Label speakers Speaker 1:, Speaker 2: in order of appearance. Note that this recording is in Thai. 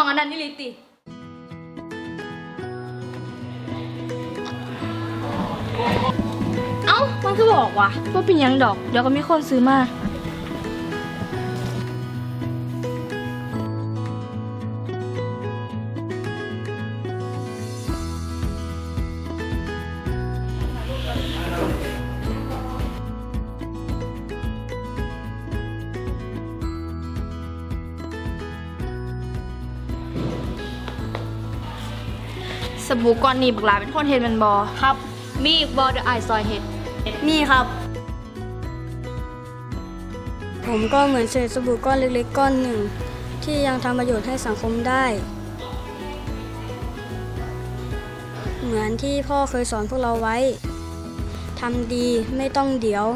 Speaker 1: อันนั้นนี่ลิติเอ้ามันคือบอกว่ะว่าเป็นยังดอกเดี๋ยวก็มีคนซื้อมาสบู่ก้อนนี้บักหลาเป็นคนเฮ็ดมันบอครับมีอีกบอเดอะไอซอยเฮ็ดมีครับ
Speaker 2: ผมก็เหมือนเศษสบู่ก้อนเล็กๆก้อนหนึ่งที่ยังทำประโยชน์ให้สังคมได้ เหมือนที่พ่อเคยสอนพวกเราไว้ทำดีไม่ต้องเดี๋ยว